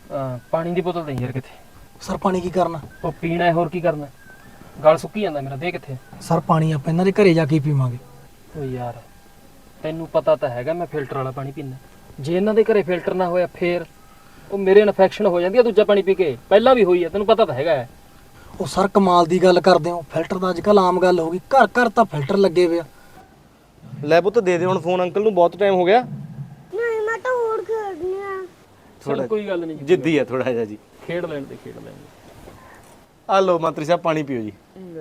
ਪਾਣੀ ਦੀ ਬੋਤਲ ਦੇ ਯਾਰ ਕਿੱਥੇ। ਸਰ ਪਾਣੀ ਕੀ ਕਰਨਾ? ਉਹ ਪੀਣਾ ਹੈ, ਹੋਰ ਕੀ ਕਰਨਾ? ਗਲ ਸੁੱਕੀ ਜਾਂਦਾ ਮੇਰਾ, ਦੇ ਕਿੱਥੇ। ਸਰ ਪਾਣੀ ਆਪਾਂ ਇਹਨਾਂ ਦੇ ਘਰੇ ਜਾ ਕੇ ਪੀਵਾਂਗੇ। ਓ ਯਾਰ ਤੈਨੂੰ ਪਤਾ ਤਾਂ ਹੈਗਾ ਮੈਂ ਫਿਲਟਰ ਵਾਲਾ ਪਾਣੀ ਪੀਂਦਾ। ਜੇ ਇਹਨਾਂ ਦੇ ਘਰੇ ਫਿਲਟਰ ਨਾ ਹੋਇਆ ਫੇਰ ਉਹ ਮੇਰੇ ਇਨਫੈਕਸ਼ਨ ਹੋ ਜਾਂਦੀ ਆ ਦੂਜਾ ਪਾਣੀ ਪੀ ਕੇ। ਪਹਿਲਾਂ ਵੀ ਹੋਈ ਆ, ਤੈਨੂੰ ਪਤਾ ਤਾਂ ਹੈਗਾ। ਉਹ ਸਰ ਕਮਾਲ ਦੀ ਗੱਲ ਕਰਦੇ ਹੋ, ਫਿਲਟਰ ਤਾਂ ਅੱਜ ਕੱਲ੍ਹ ਆਮ ਗੱਲ ਹੋ ਗਈ, ਘਰ ਘਰ ਤਾਂ ਫਿਲਟਰ ਲੱਗੇ ਹੋਏ ਆ। ਲੈ ਪੁੱਤ ਦੇ ਹੁਣ ਫੋਨ ਅੰਕਲ ਨੂੰ, ਬਹੁਤ ਟਾਈਮ ਹੋ ਗਿਆ। ਨਹੀਂ ਮੈਂ ਤਾਂ ਹੋਰ ਖੇਡਣੀ ਆ। ਚਲ ਕੋਈ ਗੱਲ ਨਹੀਂ, ਜਿੱਦੀ ਆ ਥੋੜਾ ਜਿਹਾ ਜੀ। ਖੇਡ ਲੈਣ ਦੇ। ਆ ਲਓ ਮੰਤਰੀ ਸਾਹਿਬ ਪਾਣੀ ਪੀਓ ਜੀ।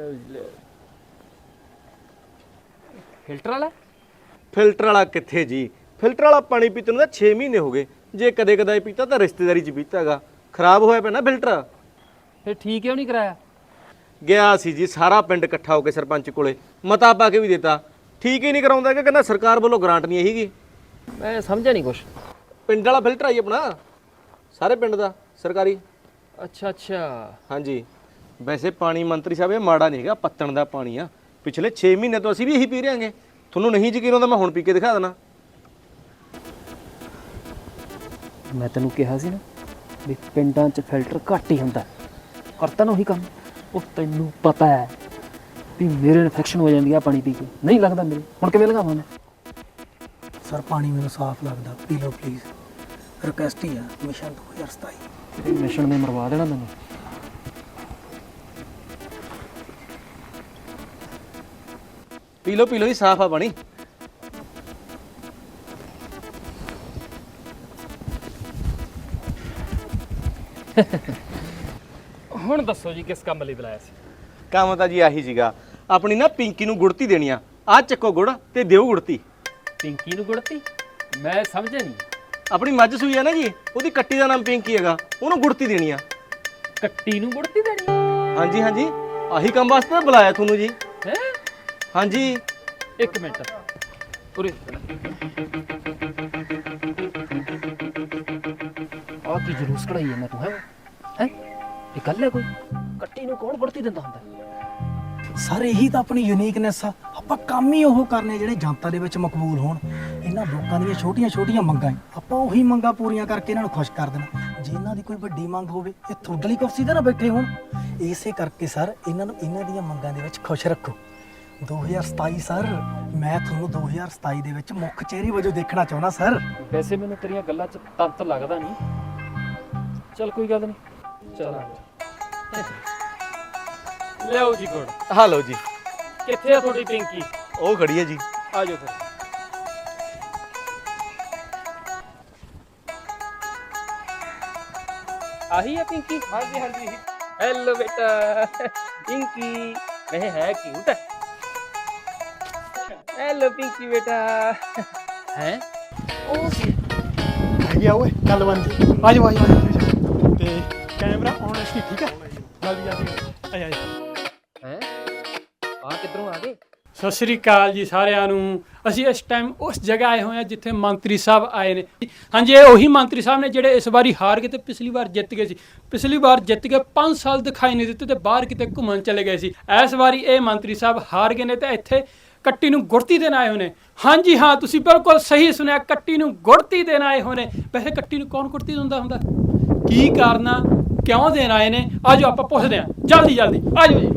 ਫਿਲਟਰ ਵਾਲਾ? ਫਿਲਟਰ ਵਾਲਾ ਕਿੱਥੇ ਜੀ, ਫਿਲਟਰ ਵਾਲਾ ਪਾਣੀ ਪੀਤੇ ਨੂੰ ਤਾਂ 6 ਮਹੀਨੇ ਹੋ ਗਏ। ਜੇ ਕਦੇ ਕਦਾਈ ਪੀਤਾ ਤਾਂ ਰਿਸ਼ਤੇਦਾਰੀ 'ਚ ਪੀਤਾਗਾ, ਖਰਾਬ ਹੋਇਆ ਪਿਆ ਨਾ ਫਿਲਟਰ। ਫੇਰ ਠੀਕ ਕਿਉਂ ਨਹੀਂ ਕਰਾਇਆ? ਗਿਆ ਸੀ ਜੀ ਸਾਰਾ ਪਿੰਡ ਇਕੱਠਾ ਹੋ ਕੇ ਸਰਪੰਚ ਕੋਲੇ, ਮਤਾ ਪਾ ਕੇ ਵੀ ਦਿੱਤਾ, ਠੀਕ ਹੀ ਨਹੀਂ ਕਰਾਉਂਦਾ ਕਿ ਕਹਿੰਦਾ ਸਰਕਾਰ ਵੱਲੋਂ ਗ੍ਰਾਂਟ ਨਹੀਂ ਹੈਗੀ। ਮੈਂ ਸਮਝਿਆ ਨਹੀਂ ਕੁਛ। ਪਿੰਡ ਵਾਲਾ ਫਿਲਟਰ ਆਈ ਆਪਣਾ, ਸਾਰੇ ਪਿੰਡ ਦਾ ਸਰਕਾਰੀ। ਅੱਛਾ ਹਾਂਜੀ ਵੈਸੇ ਪਾਣੀ ਮੰਤਰੀ ਸਾਹਿਬ ਇਹ ਮਾੜਾ ਨਹੀਂ ਹੈਗਾ, ਪੱਤਣ ਦਾ ਪਾਣੀ ਆ। ਪਿਛਲੇ 6 ਮਹੀਨੇ ਤੋਂ ਅਸੀਂ ਵੀ ਇਹੀ ਪੀ ਰਹੇ ਹਾਂਗੇ। ਤੁਹਾਨੂੰ ਨਹੀਂ ਯਕੀਨ ਆਉਂਦਾ ਮੈਂ ਹੁਣ ਪੀ ਕੇ ਦਿਖਾ ਦੇਣਾ। ਮੈਂ ਤੈਨੂੰ ਕਿਹਾ ਸੀ ਨਾ ਵੀ ਪਿੰਡਾਂ 'ਚ ਫਿਲਟਰ ਘੱਟ ਹੀ ਹੁੰਦਾ, ਕਰਤਾ ਨਾ ਉਹੀ ਕੰਮ। ਉਹ ਤੈਨੂੰ ਪਤਾ ਹੈ ਵੀ ਮੇਰੇ ਇਨਫੈਕਸ਼ਨ ਹੋ ਜਾਂਦੀ ਆ ਪਾਣੀ ਪੀ ਕੇ, ਨਹੀਂ ਲੱਗਦਾ ਮੇਰੇ। ਹੁਣ ਕਿਵੇਂ ਲਗਾਵਾਂ ਮੈਂ? ਸਰ ਪਾਣੀ ਮੈਨੂੰ ਸਾਫ਼ ਲੱਗਦਾ, ਪੀ ਲਓ ਪਲੀਜ਼। ਰਿਕਵੈਸਟ ਹੀ ਆ, ਮਿਸ਼ਨ 2027। ਤੇਰੇ ਮਿਸ਼ਨ ਨੇ ਮਰਵਾ ਦੇਣਾ ਮੈਨੂੰ। ਪੀ ਲਓ ਜੀ, ਸਾਫ਼ ਆ ਪਾਣੀ। ਹੁਣ ਦੱਸੋ ਜੀ ਕਿਸ ਕੰਮ ਲਈ ਬੁਲਾਇਆ ਸੀ? ਕੰਮ ਤਾਂ ਜੀ ਆਹੀ ਸੀਗਾ, ਆਪਣੀ ਨਾ ਪਿੰਕੀ ਨੂੰ ਗੁੜਤੀ ਦੇਣੀ ਆ। ਆਹ ਚੱਕੋ ਗੁੜ ਤੇ ਦਿਓ ਗੁੜਤੀ। ਪਿੰਕੀ ਨੂੰ ਗੁੜਤੀ? ਮੈਂ ਸਮਝਿਆ ਨਹੀਂ। ਆਪਣੀ ਮੱਝ ਸੂਈ ਆ ਨਾ ਜੀ, ਉਹਦੀ ਕੱਟੀ ਦਾ ਨਾਮ ਪਿੰਕੀ ਹੈਗਾ, ਉਹਨੂੰ ਗੁੜਤੀ ਦੇਣੀ ਆ। ਕੱਟੀ ਨੂੰ ਗੁੜਤੀ ਦੇਣੀ? ਹਾਂਜੀ ਹਾਂਜੀ, ਆਹੀ ਕੰਮ ਵਾਸਤੇ ਤਾਂ ਬੁਲਾਇਆ ਤੁਹਾਨੂੰ ਜੀ। ਹੈ? ਹਾਂਜੀ ਇੱਕ ਮਿੰਟ ਉਰੇ। ਆਹ ਕੀ ਜਲੂਸ ਕਢਾਈ ਜਾਂਦਾ ਤੂੰ? ਹੈ ਇਹ ਗੱਲ ਹੈ ਕੋਈ? ਕੱਟੀ ਨੂੰ ਕੌਣ ਗੁੜਤੀ ਦਿੰਦਾ ਹੁੰਦਾ? ਸਰ ਇਹੀ ਤਾਂ ਆਪਣੀ ਯੂਨੀਕਨੈਸ ਆ, ਆਪਾਂ ਕੰਮ ਹੀ ਉਹ ਕਰਨੇ ਜਿਹੜੇ ਜਨਤਾ ਦੇ ਵਿੱਚ ਮਕਬੂਲ ਹੋਣ। ਇਹਨਾਂ ਲੋਕਾਂ ਦੀਆਂ ਛੋਟੀਆਂ ਛੋਟੀਆਂ ਮੰਗਾਂ ਆਪਾਂ ਉਹੀ ਮੰਗਾਂ ਪੂਰੀਆਂ ਕਰਕੇ ਇਹਨਾਂ ਨੂੰ ਖੁਸ਼ ਕਰ ਦੇਣਾ। ਜੇ ਇਹਨਾਂ ਦੀ ਕੋਈ ਵੱਡੀ ਮੰਗ ਹੋਵੇ ਇਹ ਤੁਹਾਡੇ ਲਈ ਕੁਰਸੀ ਤੇ ਨਾ ਬੈਠੇ ਹੋਣ। ਇਸੇ ਕਰਕੇ ਸਰ ਇਹਨਾਂ ਨੂੰ ਇਹਨਾਂ ਦੀਆਂ ਮੰਗਾਂ ਦੇ ਵਿੱਚ ਖੁਸ਼ ਰੱਖੋ। 2027 ਸਰ, ਮੈਂ ਤੁਹਾਨੂੰ 2027 ਦੇ ਵਿੱਚ ਮੁੱਖ ਚਿਹਰੇ ਵਜੋਂ ਦੇਖਣਾ ਚਾਹੁੰਦਾ ਸਰ। ਵੈਸੇ ਮੈਨੂੰ ਤੇਰੀਆਂ ਗੱਲਾਂ 'ਚ ਤੰਤ ਲੱਗਦਾ ਨਹੀਂ। ਚੱਲ ਕੋਈ ਗੱਲ ਨਹੀਂ, ਚਲ ਲਿਆਓ ਜੀ ਗੁੜ। ਹਾਂ ਲਓ ਜੀ। ਕਿੱਥੇ ਆ ਤੁਹਾਡੀ ਪਿੰਕੀ? ਉਹ ਖੜੀ ਹੈ ਜੀ। ਆ ਜਾਓ ਫਿਰ। ਆਹੀ ਹੈ ਪਿੰਕੀ? ਹਾਂਜੀ ਹਾਂਜੀ। ਹੈਲੋ ਬੇਟਾ ਪਿੰਕੀ, ਇਹ ਹੈ ਕਿਊਟ ਹੈ। ਹੈਲੋ ਪਿੰਕੀ ਬੇਟਾ। ਹੈ ਉਹ ਹੈਗੀ ਆ ਓਏ ਗੱਲ ਬਣਦੀ। ਆ ਜਾਓ ਤੇ ਕੈਮਰਾ ਆਨ ਸੀ, ਠੀਕ ਆ? ਜਲਦੀ ਆ ਜਾ। ਹੈ ਆ ਕਿੱਧਰੋਂ ਆ ਗਏ? ਸਤਿ ਸ੍ਰੀ ਅਕਾਲ ਜੀ ਸਾਰਿਆਂ ਨੂੰ। ਅਸੀਂ ਇਸ ਟਾਈਮ ਉਸ ਜਗ੍ਹਾ ਆਏ ਹੋਏ ਹਾਂ ਜਿੱਥੇ ਮੰਤਰੀ ਸਾਹਿਬ ਆਏ ਨੇ। ਹਾਂਜੀ ਇਹ ਉਹੀ ਮੰਤਰੀ ਸਾਹਿਬ ਨੇ ਜਿਹੜੇ ਇਸ ਵਾਰੀ ਹਾਰ ਕੇ ਤੇ ਪਿਛਲੀ ਵਾਰ ਜਿੱਤ ਗਏ ਸੀ। ਪਿਛਲੀ ਵਾਰ ਜਿੱਤ ਕੇ 5 ਸਾਲ ਦਿਖਾਈ ਨਹੀਂ ਦਿੱਤੇ ਤੇ ਬਾਹਰ ਕਿਤੇ ਘੁੰਮਣ ਚਲੇ ਗਏ ਸੀ। ਇਸ ਵਾਰੀ ਇਹ ਮੰਤਰੀ ਸਾਹਿਬ ਹਾਰ ਗਏ ਨੇ ਤੇ ਇੱਥੇ ਕੱਟੀ ਨੂੰ ਗੁੜਤੀ ਦੇਣ ਆਏ ਹੋਏ ਨੇ। ਹਾਂਜੀ ਹਾਂ ਤੁਸੀਂ ਬਿਲਕੁਲ ਸਹੀ ਸੁਣਿਆ, ਕੱਟੀ ਨੂੰ ਗੁੜਤੀ ਦੇਣ ਆਏ ਹੋਏ ਨੇ। ਵੈਸੇ ਕੱਟੀ ਨੂੰ ਕੌਣ ਗੁੜਤੀ ਦਿੰਦਾ ਹੁੰਦਾ? ਕੀ ਕਾਰਨਾ, ਕਿਉਂ ਦੇਣ ਆਏ ਨੇ? ਆ ਜਾਓ ਆਪਾਂ ਪੁੱਛਦੇ ਹਾਂ, ਜਲਦੀ ਜਲਦੀ ਆ ਜਾਓ ਜੀ।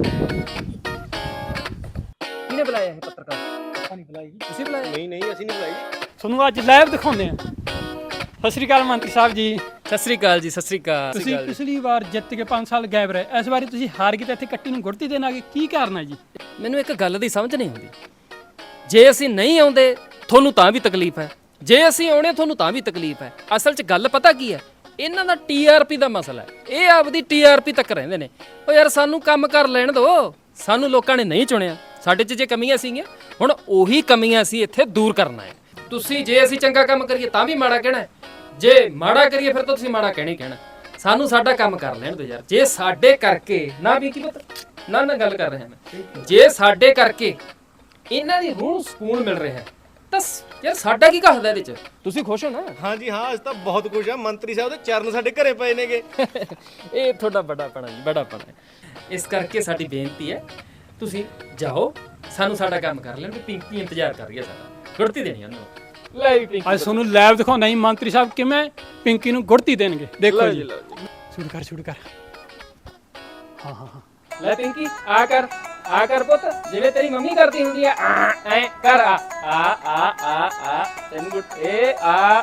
ਕਿਹਨੇ ਬੁਲਾਇਆ ਇਹ ਪੱਤਰਕਾਰ? ਨਹੀਂ ਬੁਲਾਈ, ਤੁਸੀਂ ਬੁਲਾਇਆ? ਨਹੀਂ ਅਸੀਂ ਨਹੀਂ ਬੁਲਾਈ। ਤੁਹਾਨੂੰ ਅੱਜ ਲਾਈਵ ਦਿਖਾਉਂਦੇ ਹਾਂ। ਸਤਿ ਸ੍ਰੀ ਅਕਾਲ ਮੰਤਰੀ ਸਾਹਿਬ ਜੀ। ਸਤਿ ਸ੍ਰੀ ਅਕਾਲ ਜੀ। ਸਤਿ ਸ੍ਰੀ ਅਕਾਲ। ਤੁਸੀਂ ਪਿਛਲੀ ਵਾਰ ਜਿੱਤ ਕੇ 5 ਸਾਲ ਗਾਇਬ ਰਹੇ, ਇਸ ਵਾਰੀ ਤੁਸੀਂ ਹਾਰ ਕੇ ਤੇ ਇੱਥੇ ਕੱਟੀ ਨੂੰ ਗੁੜਤੀ ਦੇਣ ਆ ਗਏ, ਕੀ ਕਾਰਨ ਹੈ ਜੀ? ਮੈਨੂੰ ਇੱਕ ਗੱਲ ਦੀ ਸਮਝ ਨਹੀਂ ਆਉਂਦੀ। ਜੇ ਅਸੀਂ ਨਹੀਂ ਆਉਂਦੇ ਤੁਹਾਨੂੰ ਤਾਂ ਵੀ ਤਕਲੀਫ ਹੈ, ਜੇ ਅਸੀਂ ਆਉਣੇ ਤੁਹਾਨੂੰ ਤਾਂ ਵੀ ਤਕਲੀਫ ਹੈ। ਅਸਲ 'ਚ ਗੱਲ ਪਤਾ ਕੀ ਹੈ? ਇਹਨਾਂ ਦਾ TRP ਦਾ ਮਸਲਾ ਹੈ। ਇਹ ਆਪਦੀ TRP ਤੱਕ ਰਹਿੰਦੇ ਨੇ। ਓ ਯਾਰ ਸਾਨੂੰ ਕੰਮ ਕਰ ਲੈਣ ਦਿਓ। ਸਾਨੂੰ ਲੋਕਾਂ ਨੇ ਨਹੀਂ ਚੁਣਿਆ, ਸਾਡੇ 'ਚ ਜੇ ਕਮੀਆਂ ਸੀਗੀਆਂ ਹੁਣ ਉਹੀ ਕਮੀਆਂ ਅਸੀਂ ਇੱਥੇ ਦੂਰ ਕਰਨਾ ਹੈ। ਤੁਸੀਂ ਜੇ ਅਸੀਂ ਚੰਗਾ ਕੰਮ ਕਰੀਏ ਤਾਂ ਵੀ ਮਾੜਾ ਕਹਿਣਾ, ਜੇ ਮਾੜਾ ਕਰੀਏ ਫਿਰ ਤਾਂ ਤੁਸੀਂ ਮਾੜਾ ਕਹਿਣਾ ਹੀ ਕਹਿਣਾ। ਸਾਨੂੰ ਸਾਡਾ ਕੰਮ ਕਰ ਲੈਣ ਦਿਓ ਯਾਰ। ਜੇ ਸਾਡੇ ਕਰਕੇ ਨਾ ਵੀ ਕੀ ਪਤਾ ਨਾ ਗੱਲ ਕਰ ਰਿਹਾ ਮੈਂ, ਜੇ ਸਾਡੇ ਕਰਕੇ ਇਹਨਾਂ ਦੀ ਰੂਹ ਨੂੰ ਸਕੂਨ ਮਿਲ ਰਿਹਾ ਤਾਂ ਯਾਰ ਸਾਡਾ ਕੀ ਕਹਦਾ ਇਹਦੇ 'ਚ? ਤੁਸੀਂ ਖੁਸ਼ ਹੋ ਨਾ? ਹਾਂਜੀ ਹਾਂ ਅਸੀਂ ਤਾਂ ਬਹੁਤ ਖੁਸ਼ ਆ। ਮੰਤਰੀ ਸਾਹਿਬ ਦੇ ਚਰਨ ਸਾਡੇ ਘਰੇ ਪਏ ਨੇਗੇ। ਇਹ ਤੁਹਾਡਾ ਬੜਾਪਣਾ ਜੀ, ਬੜਾਪਣਾ ਹੈ। ਇਸ ਕਰਕੇ ਸਾਡੀ ਬੇਨਤੀ ਹੈ ਤੁਸੀਂ ਜਾਓ, ਸਾਨੂੰ ਸਾਡਾ ਕੰਮ ਕਰ ਲੈਣ। ਪਿੰਕੀ ਇੰਤਜ਼ਾਰ ਕਰ ਰਹੀ ਹੈ ਸਾਡਾ, ਗੁੜਤੀ ਦੇਣੀ ਉਹਨੂੰ। ਲੈ ਵੀ ਪਿੰਕੀ ਅੱਜ ਤੁਹਾਨੂੰ ਲੈਬ ਦਿਖਾਉਂਦਾ ਜੀ ਮੰਤਰੀ ਸਾਹਿਬ ਕਿਵੇਂ ਪਿੰਕੀ ਨੂੰ ਗੁੜਤੀ ਦੇਣਗੇ ਦੇਖੋ ਲਓ ਜੀ ਲਓ ਜੀ। ਸ਼ੁਰੂ ਕਰ ਹਾਂ ਹਾਂ ਹਾਂ ਲੈ ਪਿੰਕੀ ਆ ਕਰ ਪੁੱਤ ਜਿਵੇਂ ਤੇਰੀ ਮੰਮੀ ਕਰਦੀ ਹੁੰਦੀ ਆ ਐ ਕਰ ਆ ਤੈਨੂੰ ਗੁੱਟ ਏ ਆ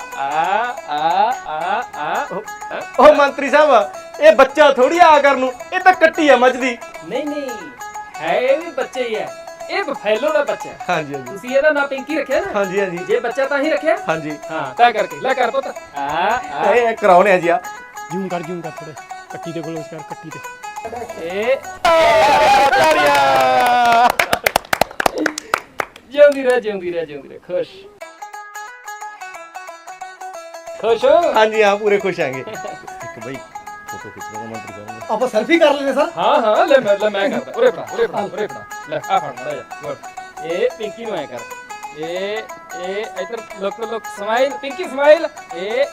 ਉਹ ਮੰਤਰੀ ਸਾਹਿਬ ਇਹ ਬੱਚਾ ਥੋੜੀ ਆ ਕਰਨ ਨੂੰ, ਇਹ ਤਾਂ ਕੱਟੀ ਆ ਮੱਝ ਦੀ। ਨਹੀਂ ਹੈ ਇਹ ਵੀ ਬੱਚੇ ਹੀ ਹੈ, ਇਹ ਬਫੈਲੋ ਦਾ ਬੱਚਾ ਹੈ। ਹਾਂਜੀ ਹਾਂਜੀ ਤੁਸੀਂ ਇਹਦਾ ਨਾਂ ਪਿੰਕੀ ਰੱਖਿਆ ਨਾ? ਹਾਂਜੀ ਹਾਂਜੀ ਜੇ ਬੱਚਾ ਤਾਂ ਹੀ ਰੱਖਿਆ। ਹਾਂਜੀ ਹਾਂ ਤਾਂ ਕਰਕੇ ਲੈ ਕਰ ਪੁੱਤ ਇਹ ਕਰਾਉਣੇ ਆ ਜੀ ਆ। ਜੂਮ ਕਰ ਥੋੜੇ ਕੱਟੀ ਤੇ ਕਲੋਜ਼ ਕਰ ਕੱਟੀ ਤੇ ਏ ਜਿਉਂਦੀ ਰਹਿ ਖੁਸ਼ ਹੋ? ਹਾਂਜੀ ਹਾਂ ਪੂਰੇ ਖੁਸ਼ ਆਂਗੇ। ਇੱਕ ਬਈ ਫੋਟੋ ਖਿੱਚਣਾ ਮੰਤਰੀ ਸਾਹਿਬ ਨੂੰ। ਆਪਾਂ ਸੈਲਫੀ ਕਰ ਲੈਨੇ ਸਰ। ਹਾਂ ਲੈ ਮੈਂ ਕਰਦਾ। ਉਰੇ ਫੜਾ ਲੈ ਆ ਫੜ ਮੜਾ ਜਾ ਗੁੱਡ। ਇਹ ਪਿੰਕੀ ਨੂੰ ਐ ਕਰ ਇਹ ਇੱਧਰ ਲੁੱਕ ਸਮਾਈਲ ਪਿੰਕੀ ਸਮਾਈਲ ਇਹ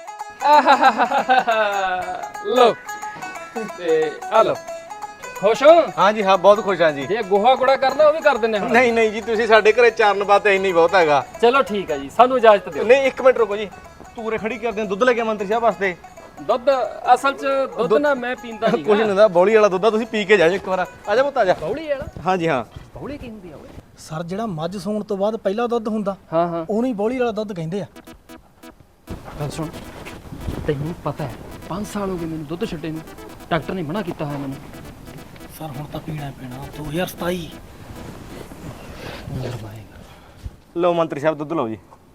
ਲੋ ਤੇ ਆ ਲੋ ਖੁਸ਼ ਹੋ? ਹਾਂਜੀ ਹਾਂ ਬਹੁਤ ਖੁਸ਼ ਹਾਂ ਜੀ। ਜੇ ਗੋਹਾ ਗੁੜਾ ਕਰਨਾ ਉਹ ਵੀ ਕਰ ਦਿੰਨੇ ਹੁਣ। ਨਹੀਂ ਜੀ ਤੁਸੀਂ ਸਾਡੇ ਘਰੇ ਚਾਰਨ ਬਾਤੇ ਇੰਨੀ ਬਹੁਤ ਹੈਗਾ। ਚਲੋ ਠੀਕ ਹੈ ਜੀ ਸਾਨੂੰ ਇਜਾਜ਼ਤ ਦਿਓ। ਨਹੀਂ ਇੱਕ ਮਿੰਟ ਰੁਕੋ ਜੀ, ਤੂਰੇ ਖੜੀ ਕਰਦੇ ਦੁੱਧ ਲੈ ਕੇ ਮੰਤਰੀ ਸਾਹਿਬ ਵਾਸਤੇ। ਦੁੱਧ ਅਸਲ ਚ ਦੁੱਧ ਨਾ ਮੈਂ ਪੀਂਦਾ ਨਹੀਂ। ਕੁਝ ਨਹੀਂ ਹੁੰਦਾ, ਬੌਲੀ ਵਾਲਾ ਦੁੱਧ ਆ, ਤੁਸੀਂ ਪੀ ਕੇ ਜਾਓ ਇੱਕ ਵਾਰ। ਆ ਜਾ ਪੁੱਤ ਆ ਜਾ। ਬੌਲੀ ਵਾਲਾ? ਹਾਂਜੀ ਹਾਂ ਬੌਲੀ ਕੀ ਹੁੰਦੀ ਆ ਓਏ? ਸਰ ਜਿਹੜਾ ਮੱਝ ਸੂਣ ਤੋਂ ਬਾਅਦ ਪਹਿਲਾ ਦੁੱਧ ਹੁੰਦਾ ਹਾਂ ਉਹਨੂੰ ਹੀ ਬੋਲੀ ਵਾਲਾ ਦੁੱਧ ਕਹਿੰਦੇ ਆ। ਗੱਲ ਸੁਣ ਤੈਨੂੰ ਪਤਾ ਹੈ 5 ਸਾਲ ਹੋ ਗਏ ਮੈਨੂੰ ਦੁੱਧ ਛੱਡੇ ਨੂੰ, ਡਾਕਟਰ ਨੇ ਮਨਾ ਕੀਤਾ ਹੋਇਆ ਮੈਨੂੰ। ਸਰ ਹੁਣ ਤਾਂ ਪੀਣਾ ਪੈਣਾ 2027। ਲਓ ਮੰਤਰੀ ਸਾਹਿਬ ਦੁੱਧ ਲਓ ਜੀ।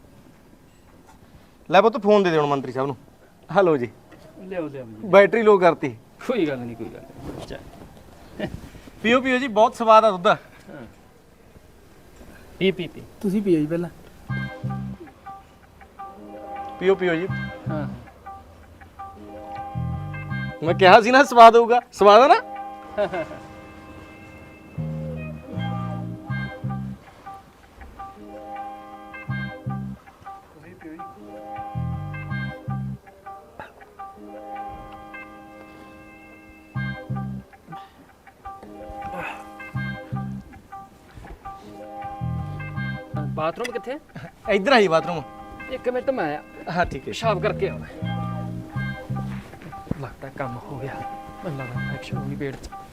ਲੈ ਪੁੱਤ ਫੋਨ ਦੇ ਦੇ ਹੁਣ ਮੰਤਰੀ ਸਾਹਿਬ ਨੂੰ। ਹਲੋ ਜੀ ਲਿਆਓ ਬੈਟਰੀ ਲੋ ਕਰਤੀ। ਕੋਈ ਗੱਲ ਨਹੀਂ ਚੱਲ ਪੀਓ ਜੀ ਬਹੁਤ ਸਵਾਦ ਆ ਦੁੱਧ। ਪੀ ਤੁਸੀਂ ਪੀਓ ਜੀ ਪਹਿਲਾਂ। ਪੀਓ ਜੀ। ਹਾਂ ਮੈਂ ਕਿਹਾ ਸੀ ਨਾ ਸਵਾਦ ਹੋਊਗਾ, ਸਵਾਦ ਆ ਨਾ। ਬਾਥਰੂਮ ਕਿੱਥੇ? ਇੱਧਰ ਆਈ ਬਾਥਰੂਮ। 1 ਮਿੰਟ ਮੈਂ ਆਇਆ, ਹਾਂ ਠੀਕ ਹੈ। ਪਿਸ਼ਾਬ ਕਰਕੇ ਆਉਣਾ। ਲੱਗਦਾ ਕੰਮ ਹੋ ਗਿਆ, ਮੈਨੂੰ ਲੱਗਦਾ ਇਨਫੈਕਸ਼ਨ ਹੋ ਗਈ ਪੇਟ 'ਚ।